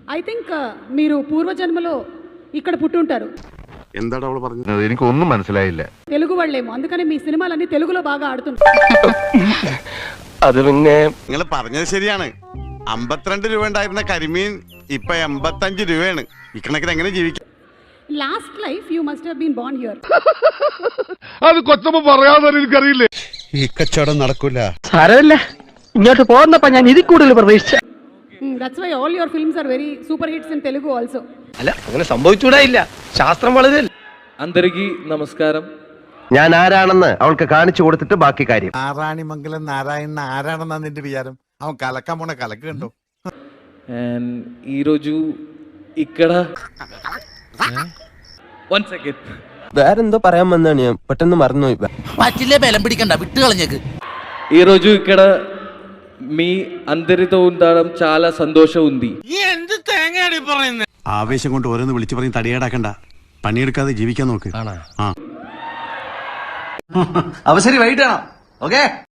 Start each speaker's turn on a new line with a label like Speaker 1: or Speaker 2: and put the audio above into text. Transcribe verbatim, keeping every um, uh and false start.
Speaker 1: I think మీరు పూర్వజన్మలో ఇక్కడ పుట్టుంటారు.
Speaker 2: എന്താണ് അവൾ പറഞ്ഞത്?
Speaker 3: എനിക്കൊന്നും മനസ്സിലായില്ല.
Speaker 1: తెలుగు వాళ్ళేమో, అందుకని మీ సినిమాలన్నీ తెలుగులో బాగా ఆడుతుంటారు.
Speaker 4: അത് പിന്നെ
Speaker 2: നിങ്ങൾ പറഞ്ഞത് ശരിയാണ്. അമ്പത്തിരണ്ട് രൂപ ഉണ്ടായിരുന്ന കരിമീൻ ഇപ്പൊ എൺപത്തഞ്ച് രൂപയാണ്. ഇക്കണക്കിന് എങ്ങനെ ജീവിക്കും?
Speaker 1: Last life you must have been born here.
Speaker 3: അത് കൊച്ചമ്മ പറയാതെ എനിക്കറിയില്ലേ.
Speaker 2: ഈ കച്ചവടം നടക്കൂല.
Speaker 4: സാരമില്ല, ഇങ്ങോട്ട് പോകുന്നപ്പോ ഞാൻ ഇതിൽ കൂടുതൽ പ്രതീക്ഷിച്ച.
Speaker 1: That's why all your films are very super hits in Telugu also.
Speaker 4: അല്ല, അങ്ങനെ സംഭവിച്ചൂടാ ഇല്ല. ശാസ്ത്രം വളരെ.
Speaker 5: అందరికీ നമസ്കാരം.
Speaker 4: ഞാൻ ആരാണെന്ന് അവൾക്ക് കാണിച്ചു കൊടുത്തിട്ട് ബാക്കി കാര്യം.
Speaker 6: നാരായണിമംഗലം നാരായണൻ ആരാണെന്നാ നിന്റെ വിചാരം? അവൻ കലക്കാൻ പോണ കലക്ക് കണ്ടോ?
Speaker 5: అండ్ ఈరోజు ఇక్కడ വൺ സെക്കൻഡ്
Speaker 7: വേറെന്തോ പറയാൻ വന്നാണ്, ഞാൻ പെട്ടെന്ന് മറന്നുപോയി.
Speaker 8: പറ്റില്ലേ, ബലം പിടിക്കണ്ട, വിട്ട് കളഞ്ഞേക്ക്.
Speaker 5: ఈరోజు ఇక్కడ మీ అందరితో ఉండడం చాలా సంతోషం ఉంది.
Speaker 2: ആവേശം കൊണ്ട് ഓരോന്ന് വിളിച്ചു പറഞ്ഞ് തടിയേടാക്കണ്ട. പണിയെടുക്കാതെ ജീവിക്കാൻ നോക്ക്.
Speaker 8: അവസരം വൈകിട്ടാണോ? ഓക്കേ.